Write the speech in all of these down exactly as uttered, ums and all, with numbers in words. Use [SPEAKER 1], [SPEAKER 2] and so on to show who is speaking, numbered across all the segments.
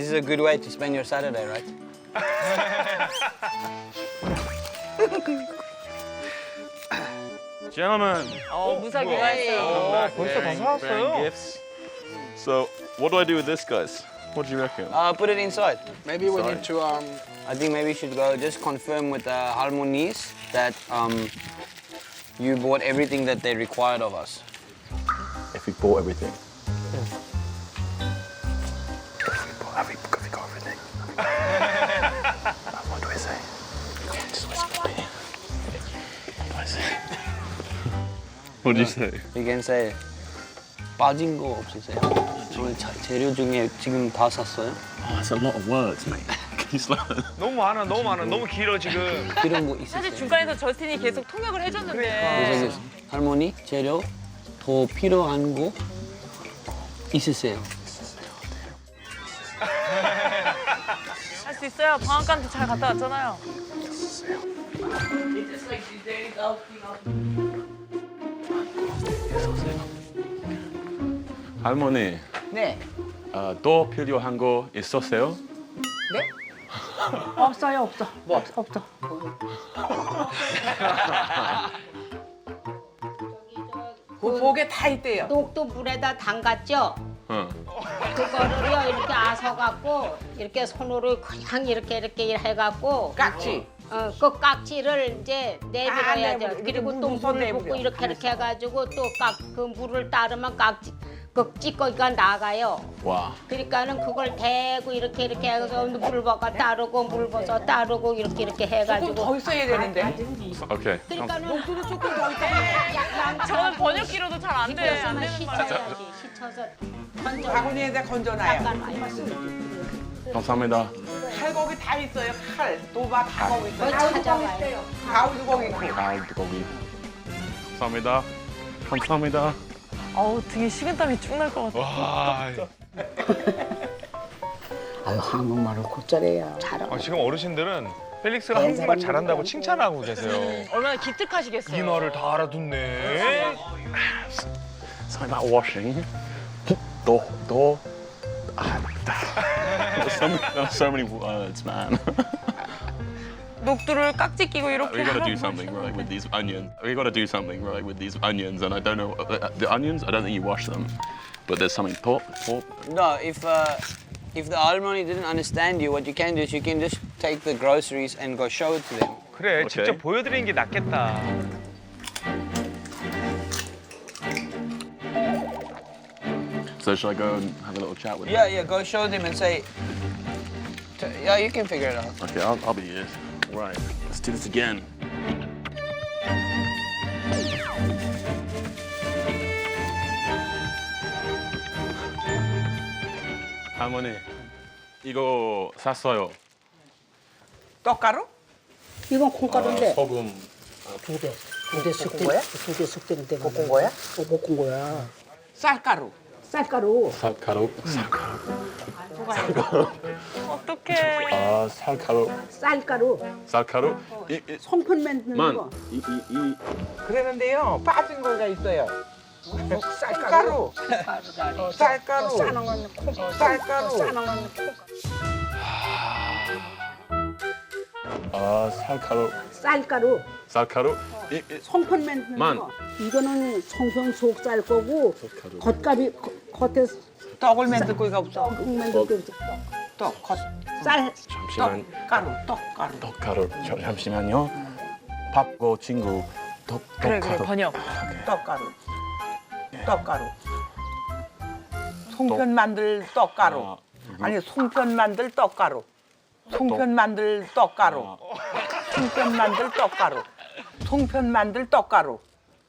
[SPEAKER 1] is a good way to spend your Saturday, right?
[SPEAKER 2] Gentlemen,
[SPEAKER 3] 어, 무사히 귀화했어요.
[SPEAKER 2] 벌써 다 사왔어요. Gifts. So, what do I do with this, guys? What do you reckon?
[SPEAKER 1] Uh, put it inside.
[SPEAKER 4] Maybe we
[SPEAKER 2] Sorry.
[SPEAKER 4] need to um.
[SPEAKER 1] I think maybe you should go just confirm with the Harmonies that um, you bought everything that they required of us.
[SPEAKER 2] If we bought everything. If we bought, have we, have we got everything? What do I say? Just whisper to me. What do I say? What do you say?
[SPEAKER 1] You can say 빠진 거 없으세요? 저희 자, 재료 중에 지금 다 샀어요?
[SPEAKER 2] Oh, that's a lot of words, mate. Can you slow down?
[SPEAKER 5] 너무 많아, 너무 많아, 너무 길어 지금.
[SPEAKER 1] 이런 거 있으세요?
[SPEAKER 3] 사실 중간에서 저스틴이 계속 통역을 해줬는데.
[SPEAKER 1] 그래서 할머니 재료 더 필요한 거 있으세요?
[SPEAKER 3] 할 수 있어요. 방앗간도 잘 갔다 왔잖아요.
[SPEAKER 2] 할머니,
[SPEAKER 6] 네.
[SPEAKER 2] 어, 또 필요한 거 있었어요?
[SPEAKER 6] 네? 없어요, 없어. 뭐 없어? 없어. 그 복에 다 있대요.
[SPEAKER 7] 녹도 물에다 담갔죠?
[SPEAKER 2] 응.
[SPEAKER 7] 그거를요 이렇게 아서갖고 이렇게 손으로 그냥 이렇게 이렇게 해갖고
[SPEAKER 6] 깍지.
[SPEAKER 7] 어, 그 깍지를 이제 내버려야
[SPEAKER 6] 아,
[SPEAKER 7] 돼요.
[SPEAKER 6] 내버려.
[SPEAKER 7] 그리고
[SPEAKER 6] 물
[SPEAKER 7] 또
[SPEAKER 6] 부숴
[SPEAKER 7] 물을 붓고
[SPEAKER 6] 내버려.
[SPEAKER 7] 이렇게 이렇게 해가지고 또 깍 그 물을 따르면 깍지 그 찌꺼기가 나가요.
[SPEAKER 2] 와.
[SPEAKER 7] 그러니까는 그걸 대고 이렇게 이렇게 해서 물을 벗어 따르고 물 벗어 따르고 이렇게 이렇게
[SPEAKER 6] 조금
[SPEAKER 7] 해가지고.
[SPEAKER 6] 더 있어야 되는데.
[SPEAKER 2] 오케이.
[SPEAKER 7] 그러니까는
[SPEAKER 6] 녹두도 조금 더 있어야
[SPEAKER 3] 저는 번역기로도 잘 안 돼. 안 되는 말이에요.
[SPEAKER 7] 씻어야지. 씻어서 건져.
[SPEAKER 6] 바구니에다 건져놔요.
[SPEAKER 2] 감사합니다.
[SPEAKER 6] 칼고기 다 있어요. 칼, 도박 다 거기
[SPEAKER 7] 뭐
[SPEAKER 6] 있어요.
[SPEAKER 7] 찾아봐요.
[SPEAKER 6] 가우도 거기 있고.
[SPEAKER 2] 아, 거기. 감사합니다. 감사합니다.
[SPEAKER 3] 어우, 등에 식은땀이 쭉 날 것 같아.
[SPEAKER 5] 와,
[SPEAKER 8] 아유 한국말을 곧잘해요. 잘하고.
[SPEAKER 5] 아, 지금 어르신들은 펠릭스가 한국말 잘한다고 칭찬하고 계세요.
[SPEAKER 3] 얼마나 기특하시겠어요.
[SPEAKER 5] 인어를 다 알아듣네.
[SPEAKER 2] Something about washing. 도, 도, 아, There's so many, there's so many words, man.
[SPEAKER 3] 녹두를 깍지 끼고 이렇게
[SPEAKER 2] We gotta do
[SPEAKER 3] 하라고
[SPEAKER 2] something right with these onions. We gotta do something right with these onions, and I don't know uh, the onions. I don't think you wash them, but there's something. Top, top.
[SPEAKER 1] No, if uh, if the Harmony didn't understand you, what you can do is you can just take the groceries and go show it to them.
[SPEAKER 5] 그래,
[SPEAKER 2] 오케이.
[SPEAKER 5] 직접 보여드리는 게 낫겠다.
[SPEAKER 2] So should I go and have a little chat with
[SPEAKER 1] Yeah,
[SPEAKER 2] them?
[SPEAKER 1] yeah, go show them and say. T- yeah, you can figure it out.
[SPEAKER 2] Okay, I'll, I'll be here. Right, let's do this again. 할머니, 이거 샀어요.
[SPEAKER 6] 떡가루?
[SPEAKER 8] 이건 콩가루인데
[SPEAKER 2] 소금.
[SPEAKER 8] 두 개, 두개 숙된
[SPEAKER 6] 거야?
[SPEAKER 8] 두개 숙되는 데가
[SPEAKER 6] 볶은 거야?
[SPEAKER 8] 어, 볶은 거야.
[SPEAKER 6] 쌀가루.
[SPEAKER 8] 쌀가루.
[SPEAKER 2] 살가루.
[SPEAKER 3] 어떡해.
[SPEAKER 2] 아, 살가루.
[SPEAKER 8] 쌀가루.
[SPEAKER 2] 살가루. 이, 이,
[SPEAKER 8] 송편 만드는
[SPEAKER 2] 만.
[SPEAKER 8] 거.
[SPEAKER 2] 이, 이, 이.
[SPEAKER 6] 그러는데요, 빠진 거가 있어요. 쌀가루. 어, 쌀가루.
[SPEAKER 8] 싸는 건 콩.
[SPEAKER 6] 쌀가루.
[SPEAKER 8] 싸는 건 콩.
[SPEAKER 2] 아, 살가루.
[SPEAKER 8] 쌀가루.
[SPEAKER 2] 살가루. 이, 이.
[SPEAKER 8] 송편 만드는
[SPEAKER 2] 만.
[SPEAKER 8] 거. 이거는 송편 속쌀 거고
[SPEAKER 2] 속가루.
[SPEAKER 8] 겉가루 겉- 겉에
[SPEAKER 6] 떡을 만들 거가 없어.
[SPEAKER 8] 떡 만들 거 있어.
[SPEAKER 6] 떡, 겉,
[SPEAKER 8] 쌀.
[SPEAKER 2] 잠시만.
[SPEAKER 6] 떡가루, 떡가루.
[SPEAKER 2] 떡가루. 잠- 잠시만요. 밥고 친구. 떡,
[SPEAKER 3] 그래, 그래,
[SPEAKER 2] 떡가루.
[SPEAKER 3] 번역.
[SPEAKER 6] 떡가루. 떡가루. 송편 만들 떡가루.
[SPEAKER 2] 아,
[SPEAKER 6] 아니, 송편 만들 떡가루. 송편 만들 떡가루. 송편 만들 떡가루. 송편 만들 떡가루.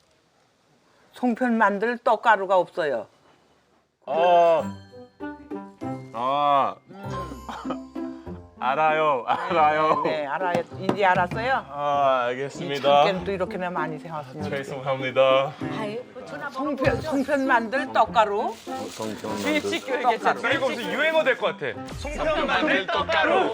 [SPEAKER 6] 송편 만들 떡가루가 없어요.
[SPEAKER 2] 어. 아. 알아요, 알아요.
[SPEAKER 6] 네, 알아요. 이제 알았어요?
[SPEAKER 2] 아,
[SPEAKER 6] 이
[SPEAKER 2] 알겠습니다.
[SPEAKER 6] 참깨는 또 이렇게나 많이 생겼습니다.
[SPEAKER 2] 죄송합니다.
[SPEAKER 6] 송편, 송편 만들 떡가루.
[SPEAKER 5] 일찍 교육했잖아. 나 이거 무슨 유행어 될 것 같아. 송편 만들 떡가루.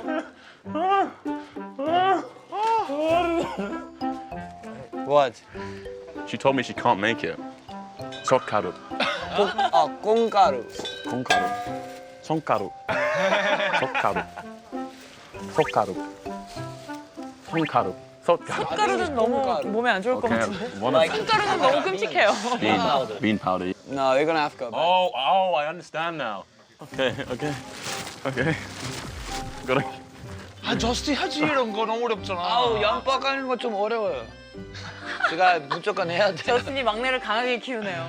[SPEAKER 1] What?
[SPEAKER 2] She told me she can't make it. 석가루.
[SPEAKER 1] 콩, 아, 콩가루.
[SPEAKER 2] 콩가루. 손가루. 손가루. 손가루. 손가루. 손가루.
[SPEAKER 3] 숟가루는 너무 몸에 안 좋을 것
[SPEAKER 2] Okay,
[SPEAKER 3] 같은데.
[SPEAKER 2] one of
[SPEAKER 3] 숟가루는 너무 끔찍해요.
[SPEAKER 2] bean, bean powder.
[SPEAKER 1] No, you're gonna have to go back.
[SPEAKER 2] Oh, oh, I understand now. Okay, okay, okay. Gotta.
[SPEAKER 5] 아 저스티 하지 이런 거 너무 어렵잖아.
[SPEAKER 1] 아우, 양파 까는 거 좀 어려워요. 제가 무조건 해야 돼.
[SPEAKER 3] 저스틴이 막내를 강하게 키우네요.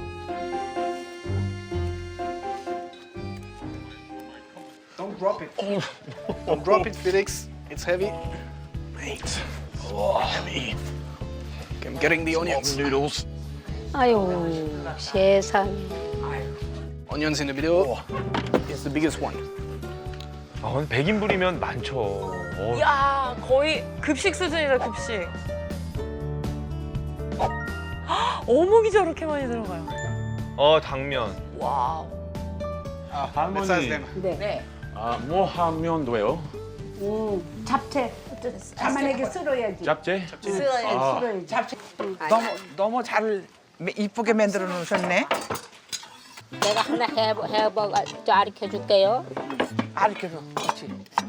[SPEAKER 4] Don't drop it. Don't drop it, Felix. It's heavy. Mate. Oh, heavy. I'm getting the onions.
[SPEAKER 2] Noodles.
[SPEAKER 7] 아유 세상에.
[SPEAKER 4] Onions in the middle. It's the biggest one.
[SPEAKER 5] 아, 근데 백 인분이면 많죠. 어,
[SPEAKER 3] 야 거의 급식 수준이다 급식. 헉, 어묵이 저렇게 많이 들어가요.
[SPEAKER 5] 어 당면.
[SPEAKER 3] 와우.
[SPEAKER 4] Let's ask them.
[SPEAKER 8] 네.
[SPEAKER 2] 아, 뭐 하면 돼요?
[SPEAKER 8] 음, 잡채. 자만하게 썰어야지.
[SPEAKER 2] 잡채?
[SPEAKER 8] 썰어야지.
[SPEAKER 6] 잡채. 너무 너무 잘 이쁘게 만들어 놓으셨네.
[SPEAKER 7] 내가 하나 해보 해보 가르쳐 줄게요.
[SPEAKER 6] 알켜줘. 그렇지.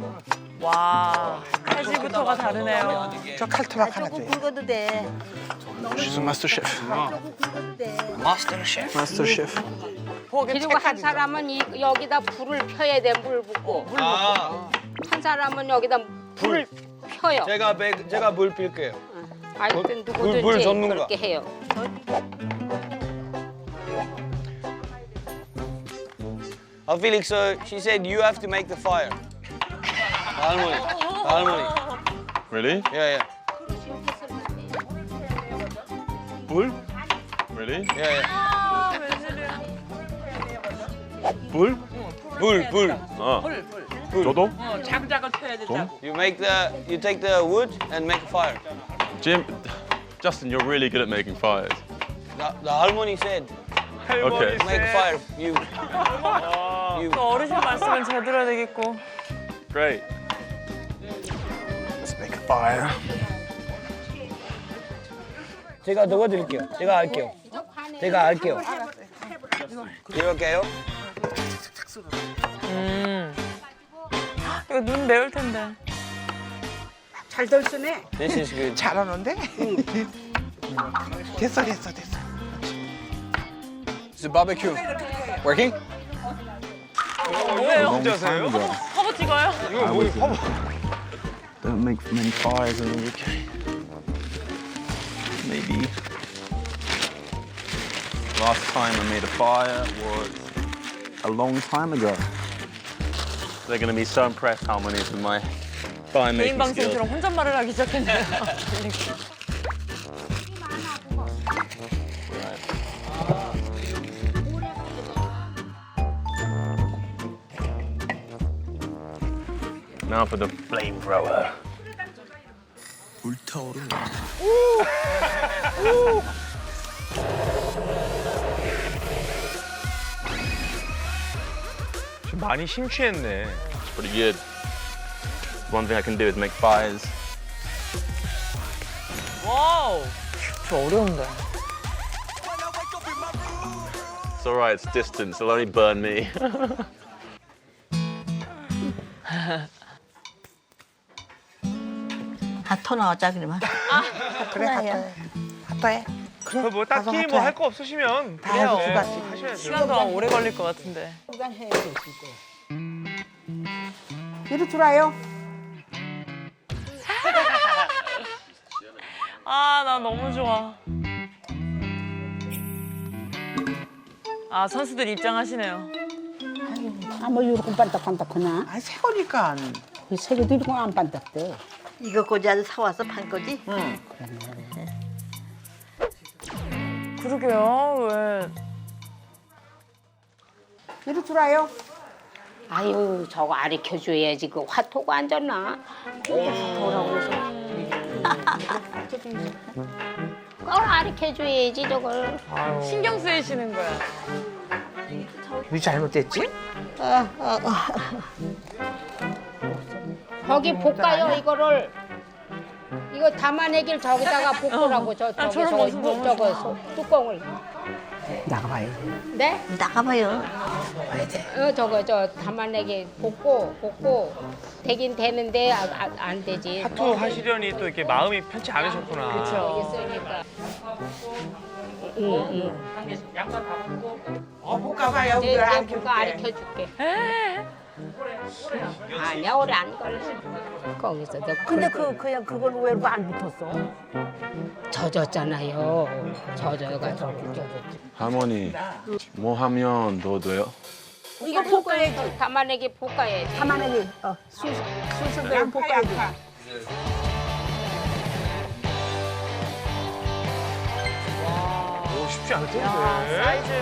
[SPEAKER 3] 와 칼질부터가 다르네요.
[SPEAKER 6] 저 칼토막 하나 줘요.
[SPEAKER 8] 굵어도 돼.
[SPEAKER 4] She's a master chef.
[SPEAKER 1] Master chef.
[SPEAKER 4] Master chef.
[SPEAKER 7] 그리고 한 사람은 이, 여기다 불을 펴야 돼, 물 붓고.
[SPEAKER 1] 아,
[SPEAKER 7] 한 사람은 여기다 불을 펴요.
[SPEAKER 1] 제가 배, 제가 물 빌게요.
[SPEAKER 7] 하여튼
[SPEAKER 1] 물- 물
[SPEAKER 7] 누구든지
[SPEAKER 1] 전문가.
[SPEAKER 7] 그렇게 해요.
[SPEAKER 1] Oh, Felix, so she said you have to make the fire. 할머니, 할머니.
[SPEAKER 2] Really?
[SPEAKER 1] Yeah, yeah,
[SPEAKER 2] 불? Really?
[SPEAKER 1] yeah, yeah.
[SPEAKER 3] 아 웬일이야.
[SPEAKER 2] 불?
[SPEAKER 1] 불, 불.
[SPEAKER 2] 어. 저도?
[SPEAKER 6] 장작을 펴야 된다고.
[SPEAKER 1] You make the, you take the wood and make a fire.
[SPEAKER 2] Jim, Justin, you're really good at making fires.
[SPEAKER 1] The, the 할머니 said
[SPEAKER 2] Okay.
[SPEAKER 1] make a fire. You, you.
[SPEAKER 3] 또 어르신 말씀은 잘 들어야 되겠고.
[SPEAKER 2] Great.
[SPEAKER 4] Let's make a fire.
[SPEAKER 1] 제가 넣어드릴게요. 제가 할게요. 제가 할게요. 이렇게요?
[SPEAKER 3] 음. 이거 눈 매울 텐데.
[SPEAKER 8] 잘 덜쓰네.
[SPEAKER 1] This is good.
[SPEAKER 6] 잘하는데? 됐어 됐어 됐어.
[SPEAKER 4] Is the barbecue working?
[SPEAKER 3] 뭐예요?
[SPEAKER 5] 혼자세요?
[SPEAKER 3] 허브 찍어요?
[SPEAKER 5] 이거 뭐 허브.
[SPEAKER 2] Don't make many fires in the U K. Maybe. Last time I made a fire was a long time ago. They're going to be so impressed how many of my fire
[SPEAKER 3] 개인
[SPEAKER 2] making skills.
[SPEAKER 3] 방송처럼 혼잣말을 하기 시작했네요.
[SPEAKER 2] Now for the flamethrower.
[SPEAKER 5] 좀 많이 심취했네.
[SPEAKER 2] It's pretty good. One thing I can do is make fires.
[SPEAKER 3] 와우. 저 어려운데.
[SPEAKER 2] It's all right. It's distance. It'll only burn me.
[SPEAKER 9] 하토 나오자 그러면.
[SPEAKER 6] 그래 하토. 하토해.
[SPEAKER 5] 그 뭐 딱히 뭐 할 거 없으시면
[SPEAKER 6] 다 해서
[SPEAKER 5] 그냥
[SPEAKER 6] 주갔지.
[SPEAKER 5] 하셔야죠.
[SPEAKER 3] 시간 동안 오래 걸릴 것 같은데.
[SPEAKER 8] 시간 해야 돼, 진짜. 이리 들어와요.
[SPEAKER 3] 아, 나 너무 좋아. 아, 선수들 입장하시네요.
[SPEAKER 8] 아, 뭐 이렇게 반딱반딱하냐?
[SPEAKER 6] 아 세우니까.
[SPEAKER 8] 그 세계도 이런 거안 반딱대.
[SPEAKER 9] 이거 고자를 사와서 판 거지?
[SPEAKER 6] 응.
[SPEAKER 3] 그러게요, 왜.
[SPEAKER 8] 이리 들어와요.
[SPEAKER 7] 아유 저거 가르쳐 줘야지 그 화토가 안 졌나? 화토라고 해서. 그걸 가르쳐 줘야지 저걸.
[SPEAKER 3] 신경 쓰이시는 거야.
[SPEAKER 6] 왜 잘못됐지?
[SPEAKER 7] 거기 볶아요 이거를. 이거 담아내길 저기다가 볶으라고 저
[SPEAKER 3] 아,
[SPEAKER 7] 저기
[SPEAKER 3] 저런
[SPEAKER 7] 저거
[SPEAKER 3] 모습 너무
[SPEAKER 7] 저거 소- 뚜껑을.
[SPEAKER 8] 나가봐요.
[SPEAKER 7] 네?
[SPEAKER 9] 나가봐요.
[SPEAKER 7] 어, 저거 저 담아내기 볶고 볶고 되긴 되는데 아, 아, 안 되지.
[SPEAKER 5] 타투 하시려니 또 이렇게 마음이 편치 않으셨구나.
[SPEAKER 3] 그렇죠.
[SPEAKER 7] 있으니까. 응,
[SPEAKER 8] 어, 볶아봐요.
[SPEAKER 7] 응. 내가 가르쳐 줄게. 아니야, 오래 안 걸려. 거기서 너
[SPEAKER 8] 근데
[SPEAKER 7] 긁고
[SPEAKER 8] 그 그냥 그걸 왜 이렇게 안 붙었어?
[SPEAKER 7] 젖었잖아요. 젖어가지고 젖었지.
[SPEAKER 2] 할머니, 뭐 하면 더 돼요?
[SPEAKER 7] 이거 볶아야지. 담아내기 볶아야지.
[SPEAKER 8] 가만히 어, 수 수수대로 볶아야지.
[SPEAKER 5] 오, 쉽지 않을 텐데.
[SPEAKER 3] 사이즈.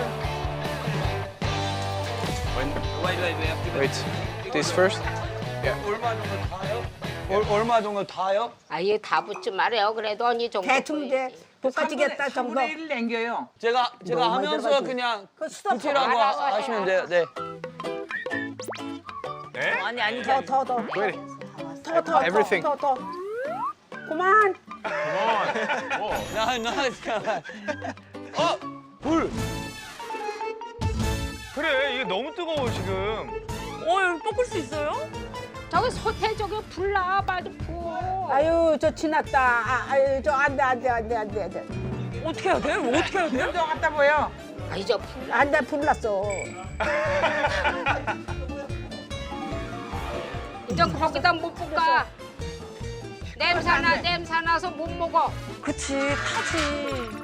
[SPEAKER 4] Wait, this first.
[SPEAKER 1] 얼마 정도 타요? 얼, 얼마 정도 타요?
[SPEAKER 7] 아예 다 붙지 말아요. 그래도 언니 정도.
[SPEAKER 8] 대충 이제 볶아지겠다 정도.
[SPEAKER 1] 제가 제가
[SPEAKER 8] 너무
[SPEAKER 1] 하면서
[SPEAKER 8] 들어가지.
[SPEAKER 1] 그냥
[SPEAKER 8] 그 수다
[SPEAKER 1] 붙이라고
[SPEAKER 7] 더 알아서
[SPEAKER 1] 하- 하시면 돼요. 네.
[SPEAKER 5] 네?
[SPEAKER 3] 아니 아니
[SPEAKER 8] 더 더 더.
[SPEAKER 4] Wait.
[SPEAKER 8] 더 더
[SPEAKER 4] Everything.
[SPEAKER 8] 더 더. 그만.
[SPEAKER 1] 나, 나, 잠깐만. 어, 불.
[SPEAKER 5] 그래, 이게 너무 뜨거워, 지금.
[SPEAKER 3] 어 여기 볶을 수 있어요?
[SPEAKER 7] 저기 솥에 저기 불 나와 빨리 부어.
[SPEAKER 8] 아유 저 지났다. 아, 아유 저 안돼 안돼 안돼 안돼 안돼.
[SPEAKER 3] 어떻게 해야 돼? 뭐 어떻게 해야 돼?
[SPEAKER 7] 아니 저 불.
[SPEAKER 8] 안돼 불났어.
[SPEAKER 7] 이제 거기다 못 볶아. 냄새나 냄새나서 못 먹어.
[SPEAKER 3] 그치 타지.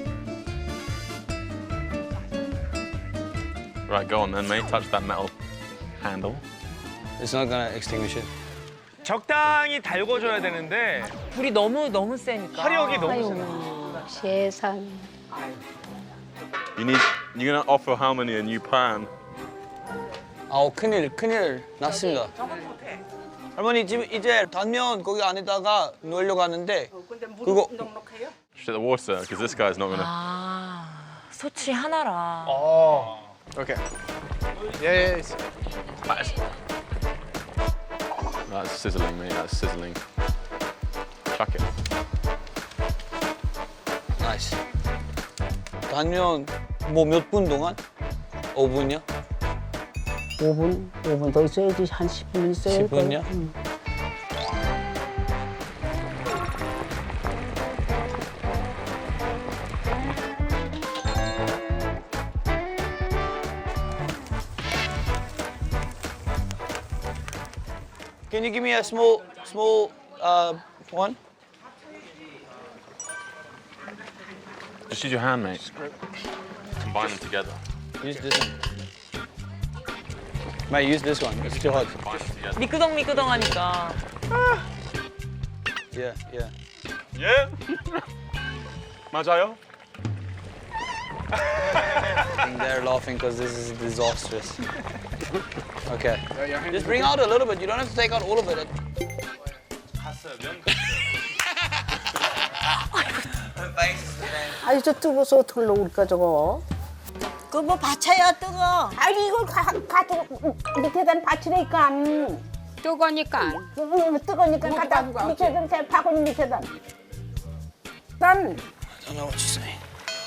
[SPEAKER 2] Right, go on then, mate. Touch that metal handle.
[SPEAKER 1] It's not gonna extinguish it.
[SPEAKER 5] 적당히 달궈줘야 되는데
[SPEAKER 3] 불이 너무 너무 세니까.
[SPEAKER 5] 화력이 너무 세네.
[SPEAKER 7] 세상.
[SPEAKER 2] You need. You're gonna offer Harmony a new pan.
[SPEAKER 1] 아우 큰일 큰일 났습니다. 할머니 지금 이제 단면 거기 안에다가 넣으려고 하는데 그거
[SPEAKER 2] Shut the water, because this guy's not gonna.
[SPEAKER 3] 아 소치 하나라.
[SPEAKER 4] Oh. Okay. Yeah, yeah. It's,
[SPEAKER 2] That's, that's sizzling, mate. That's sizzling. Chuck it.
[SPEAKER 1] 나이스. 단면 뭐 몇 분 동안? 오 분이요?
[SPEAKER 8] 오 분 오 분 더 있어야지 한 십 분 있어야
[SPEAKER 1] 십 분이요?
[SPEAKER 8] 응.
[SPEAKER 1] Can you give me a small small uh, one?
[SPEAKER 2] Just use your hand, mate. Combine them together.
[SPEAKER 1] Use this one. Mate, use this one. It's too hot.
[SPEAKER 2] Combine them together.
[SPEAKER 3] 미끄덩 미끄덩하니까.
[SPEAKER 1] Yeah, yeah.
[SPEAKER 2] Yeah. 맞아요?
[SPEAKER 1] I think they're laughing because this is disastrous. Okay. Just bring out a little bit. You don't have to take out all of it.
[SPEAKER 8] 아유 저 뜨거워서 어떻게 넣을까 저거.
[SPEAKER 9] 그 뭐 받쳐요 뜨거.
[SPEAKER 8] 아니 이걸 가, 가지고 밑에다 받치니까
[SPEAKER 7] 뜨거니까.
[SPEAKER 8] 음, 뜨거니까 갖다 밑에다 대 바구니 밑에다. 난
[SPEAKER 1] I don't know what you're saying.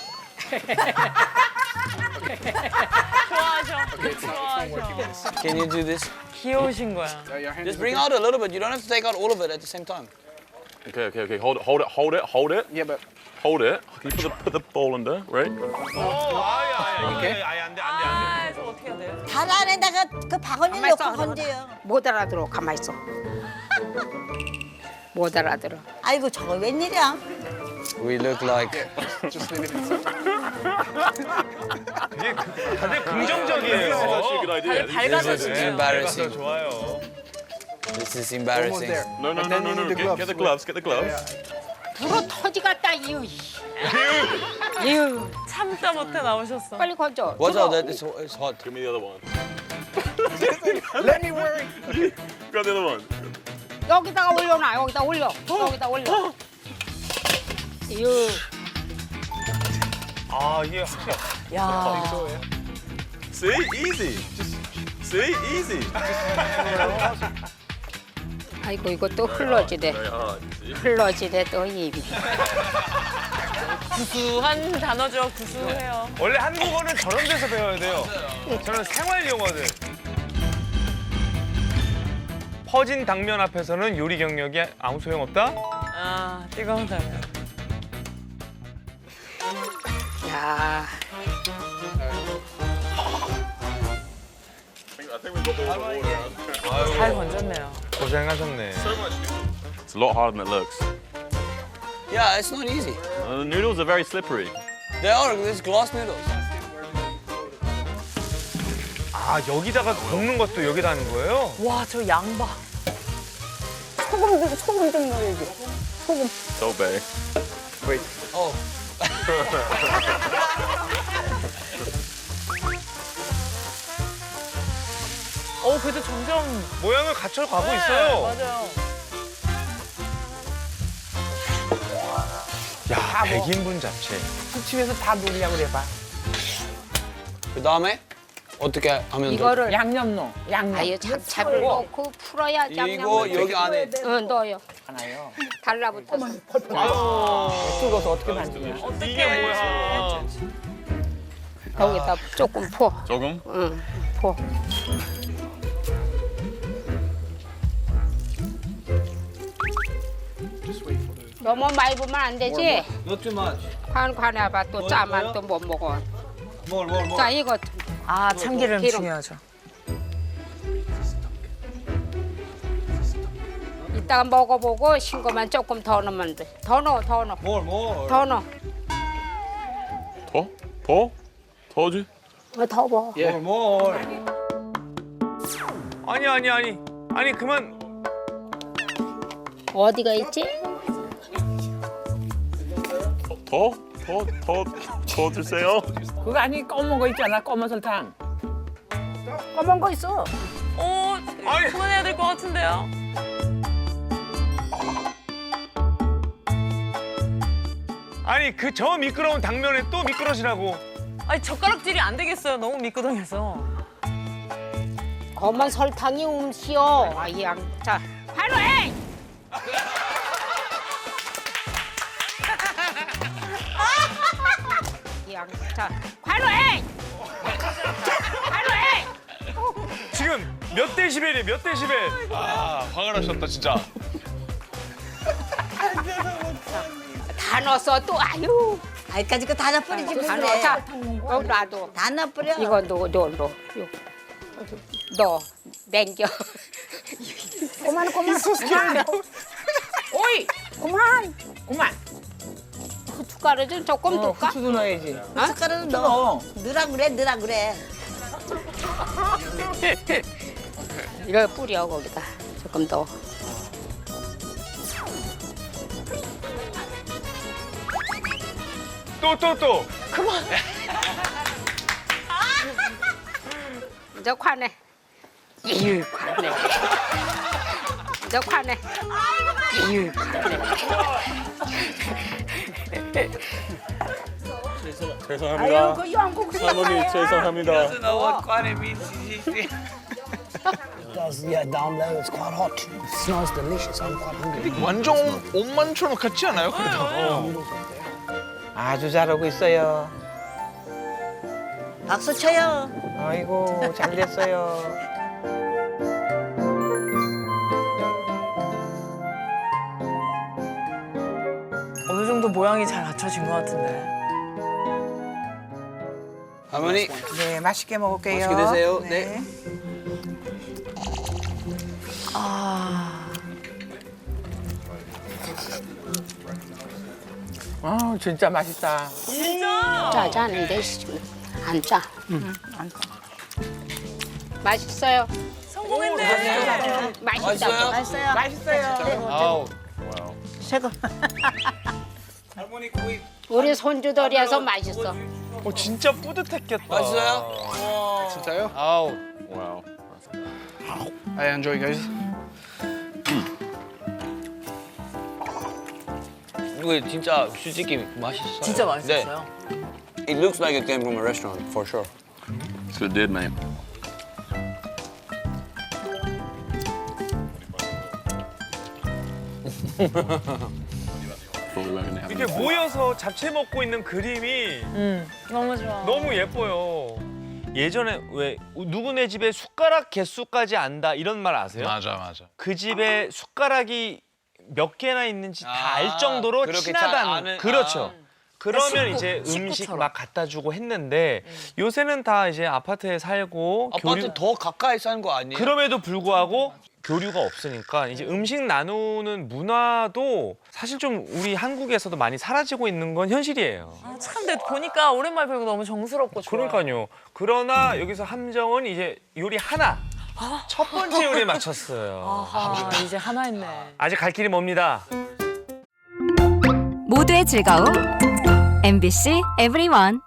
[SPEAKER 3] 좋아하셔. 좋아하셔.
[SPEAKER 1] Can you do this?
[SPEAKER 3] 귀여우신 거야.
[SPEAKER 4] uh, your hand
[SPEAKER 1] Just
[SPEAKER 4] is
[SPEAKER 1] bring
[SPEAKER 4] okay.
[SPEAKER 1] out a little bit. You don't have to take out all of it at the same time.
[SPEAKER 2] Okay, okay, okay. Hold it, hold it, hold it, hold it,
[SPEAKER 4] Yeah, but
[SPEAKER 2] hold it. Can you put the put the ball under, right?
[SPEAKER 5] 어, 아예 아예
[SPEAKER 4] 오케이.
[SPEAKER 5] 아예 안 돼, 안 돼, 안 돼.
[SPEAKER 3] 아 그래서 어떻게 해야 돼?
[SPEAKER 9] 단 안에다가 그 바구니
[SPEAKER 7] 가만히
[SPEAKER 9] 넣고
[SPEAKER 7] 있어,
[SPEAKER 9] 건져요.
[SPEAKER 7] 못 알아들어. 가만 있어. 못 알아들어.
[SPEAKER 9] 아이고 저거 웬일이야?
[SPEAKER 1] We look like
[SPEAKER 4] just leave it inside.
[SPEAKER 5] 이게 그- 다들 긍정적이에요.
[SPEAKER 2] actually a good idea.
[SPEAKER 3] 다들 밝아서
[SPEAKER 1] This is
[SPEAKER 3] 지금.
[SPEAKER 1] embarrassing.
[SPEAKER 5] 밝아서 좋아요.
[SPEAKER 1] This is
[SPEAKER 4] Almost
[SPEAKER 1] embarrassing.
[SPEAKER 4] there.
[SPEAKER 2] No, no,
[SPEAKER 4] But
[SPEAKER 2] no,
[SPEAKER 4] then
[SPEAKER 2] no,
[SPEAKER 4] you
[SPEAKER 2] no.
[SPEAKER 4] need the
[SPEAKER 2] Get, get the gloves. Get the gloves.
[SPEAKER 7] 불어 터지 갔다 이유. 이유.
[SPEAKER 3] 참다 못해 나오셨어.
[SPEAKER 7] 빨리 건져.
[SPEAKER 1] Watch
[SPEAKER 7] 뜨거워.
[SPEAKER 1] out, that it's, it's hot.
[SPEAKER 2] Give me the other one.
[SPEAKER 4] Let me wear it.
[SPEAKER 2] Grab the other one.
[SPEAKER 7] 여기다가 올려놔. 여기다 올려. 여기다 올려. 이유.
[SPEAKER 5] 아 이게 확실히
[SPEAKER 3] 야.
[SPEAKER 2] See, easy. Just see, easy.
[SPEAKER 7] 아이고 이거 또 흘러지네.
[SPEAKER 2] Very hard. See?
[SPEAKER 7] 흘러지네 또 입이.
[SPEAKER 3] 구수한 단어죠. 구수해요.
[SPEAKER 5] 원래 한국어는 저런 데서 배워야 돼요. 저는 생활 용어들. 퍼진 당면 앞에서는 요리 경력이 아무 소용 없다?
[SPEAKER 3] 아, 뜨거운 당면. 야, 잘 건졌네요.
[SPEAKER 5] 고생하셨네.
[SPEAKER 2] It's a lot harder than it looks.
[SPEAKER 1] Yeah, it's not easy.
[SPEAKER 2] Uh, the noodles are very slippery.
[SPEAKER 1] They are. There's glass noodles.
[SPEAKER 5] 아, 여기다가 볶는 것도 여기다 하는 거예요?
[SPEAKER 3] 와, 저 양봐.
[SPEAKER 8] 소금 좀 소금 좀 넣어야지. 소금.
[SPEAKER 2] So big.
[SPEAKER 1] Oh.
[SPEAKER 3] 어, 그래도 점점
[SPEAKER 5] 모양을 갖춰 가고
[SPEAKER 3] 네,
[SPEAKER 5] 있어요.
[SPEAKER 3] 맞아요.
[SPEAKER 5] 야, 백 인분 잡채.
[SPEAKER 6] 집에서 다 놀이라고 그래봐.
[SPEAKER 1] 그 다음에 어떻게 하면 돼?
[SPEAKER 7] 이거를
[SPEAKER 6] 양념 넣어. 양념.
[SPEAKER 7] 아유 잡채를 넣고 풀어야
[SPEAKER 1] 이거
[SPEAKER 7] 양념을
[SPEAKER 1] 여기 안에
[SPEAKER 7] 응, 넣어요.
[SPEAKER 6] 하나요.
[SPEAKER 7] 달라붙어서.
[SPEAKER 6] 뜨거워서 어떻게 만드냐.
[SPEAKER 5] 이게 뭐야?
[SPEAKER 7] 여기다 조금 퍼.
[SPEAKER 2] 조금?
[SPEAKER 7] 응, 퍼. 너무 많이 부으면 안 되지?
[SPEAKER 1] Not too much.
[SPEAKER 7] 관 관해봐 또 짜만 또 못 먹어.
[SPEAKER 1] More, more, more.
[SPEAKER 7] 자 이거
[SPEAKER 3] 아, 참기름
[SPEAKER 7] 기름.
[SPEAKER 3] 중요하죠.
[SPEAKER 7] 이따가 먹어보고 싱거만 조금 더 넣으면 돼. 더 넣어, 더 넣어,
[SPEAKER 1] More, more.
[SPEAKER 7] 더 넣어.
[SPEAKER 2] 더? 더? 더지?
[SPEAKER 7] 어, 더 먹어.
[SPEAKER 1] More, more.
[SPEAKER 5] 아니, 아니, 아니. 아니, 그만.
[SPEAKER 7] 어디가 있지?
[SPEAKER 2] 더? 더? 더? 더 주세요.
[SPEAKER 6] 그거 아니 검은 거 있잖아. 검은 설탕.
[SPEAKER 8] 검은 거 있어.
[SPEAKER 3] 오,
[SPEAKER 5] 아니.
[SPEAKER 3] 그만해야 될 것 같은데요.
[SPEAKER 5] 아니, 그 저 미끄러운 당면에 또 미끄러지라고.
[SPEAKER 3] 아니, 젓가락질이 안 되겠어요. 너무 미끄덩해서.
[SPEAKER 7] 검은 설탕이 음시오. 아, 양. 자, 환호해! 양. 자, 환호해! 환호해!
[SPEAKER 5] 지금 몇 데시벨이에요, 몇 데시벨? 아, 화가 나셨다, 진짜.
[SPEAKER 7] 다 넣었어 또 아유.
[SPEAKER 9] 아이까지 거 다 넣어버리지
[SPEAKER 7] 다
[SPEAKER 9] 그래.
[SPEAKER 7] 넣어. 자, 어, 놔둬.
[SPEAKER 9] 다 넣어버려.
[SPEAKER 7] 이거 넣어, 넣어, 넣어. 요. 넣어. 냉겨.
[SPEAKER 8] 그만 그만.
[SPEAKER 6] 오이.
[SPEAKER 8] 그만.
[SPEAKER 6] 그만.
[SPEAKER 7] 후춧가루 좀 조금
[SPEAKER 6] 어,
[SPEAKER 7] 넣을까?
[SPEAKER 6] 후추도 넣어야지.
[SPEAKER 9] 숟가락은 넣어.
[SPEAKER 6] 넣어.
[SPEAKER 9] 넣으라 그래, 넣으라 그래.
[SPEAKER 7] 이거 뿌려 거기다. 조금 더.
[SPEAKER 5] 또, 또, 또.
[SPEAKER 7] 이제 관해. 이유 관해. 이제 관해. 이유 관해.
[SPEAKER 2] 죄송합니다.
[SPEAKER 8] 그 영국
[SPEAKER 2] 할머니 죄송합니다.
[SPEAKER 1] know what quite means.
[SPEAKER 10] does, yeah, down low. It's quite hot. It smells delicious. I'm quite hungry.
[SPEAKER 4] 완전 옷만처럼 같지 않아요? 그래도.
[SPEAKER 6] 아주 잘하고 있어요.
[SPEAKER 9] 박수 쳐요.
[SPEAKER 6] 아이고 잘 됐어요.
[SPEAKER 3] 어느 정도 모양이 잘 갖춰진 것 같은데.
[SPEAKER 1] 할머니,
[SPEAKER 6] 네 맛있게 먹을게요.
[SPEAKER 1] 맛있게 드세요. 네.
[SPEAKER 3] 아,
[SPEAKER 6] 아 진짜 맛있다.
[SPEAKER 3] 진짜?
[SPEAKER 7] 짜지 않은데 안 짜. 응. 안 짜. 맛있어요.
[SPEAKER 3] 성공했네.
[SPEAKER 7] 맛있다.
[SPEAKER 1] 맛있어요?
[SPEAKER 9] 맛있어요.
[SPEAKER 6] 맛있어요.
[SPEAKER 1] 아우.
[SPEAKER 9] 최고.
[SPEAKER 1] 할머니 구이
[SPEAKER 7] 우리 손주들이어서 맛있어.
[SPEAKER 5] 어, 진짜 뿌듯했겠다.
[SPEAKER 1] 맛있어요?
[SPEAKER 4] 진짜요?
[SPEAKER 1] 아우.
[SPEAKER 2] 와우.
[SPEAKER 4] I enjoy, guys.
[SPEAKER 1] 이거 진짜 솔직히 맛있어요.
[SPEAKER 3] 진짜 맛있었어요.
[SPEAKER 1] 네. It looks like it came from a restaurant, for sure.
[SPEAKER 2] So it did, man. Thought we weren't gonna have
[SPEAKER 5] 이렇게 모여서 잡채 먹고 있는 그림이
[SPEAKER 3] 음, 너무 좋아.
[SPEAKER 5] 너무 예뻐요. 예전에 왜 누구네 집에 숟가락 개수까지 안다 이런 말 아세요?
[SPEAKER 4] 맞아 맞아.
[SPEAKER 5] 그 집에 숟가락이 몇 개나 있는지 다
[SPEAKER 1] 아,
[SPEAKER 5] 알 정도로
[SPEAKER 1] 그렇게
[SPEAKER 5] 친하다는
[SPEAKER 1] 잘 아는-
[SPEAKER 5] 그렇죠.
[SPEAKER 1] 아.
[SPEAKER 5] 그러면
[SPEAKER 3] 식구,
[SPEAKER 5] 이제 음식
[SPEAKER 3] 식구처럼.
[SPEAKER 5] 막 갖다 주고 했는데 요새는 다 이제 아파트에 살고
[SPEAKER 1] 아파트
[SPEAKER 5] 교류-
[SPEAKER 1] 더 가까이 사는 거 아니에요?
[SPEAKER 5] 그럼에도 불구하고 교류가 없으니까 이제 음식 나누는 문화도 사실 좀 우리 한국에서도 많이 사라지고 있는 건 현실이에요.
[SPEAKER 3] 아, 참, 근데 보니까 오랜만에 보니까 너무 정스럽고 좋아.
[SPEAKER 5] 그러니까요. 그러나 여기서 함정은 이제 요리 하나. 첫 번째 요리에 맞췄어요.
[SPEAKER 3] 아하, 이제 하나 했네.
[SPEAKER 5] 아직 갈 길이 멉니다.
[SPEAKER 11] 모두의 즐거움 엠비씨 에브리원.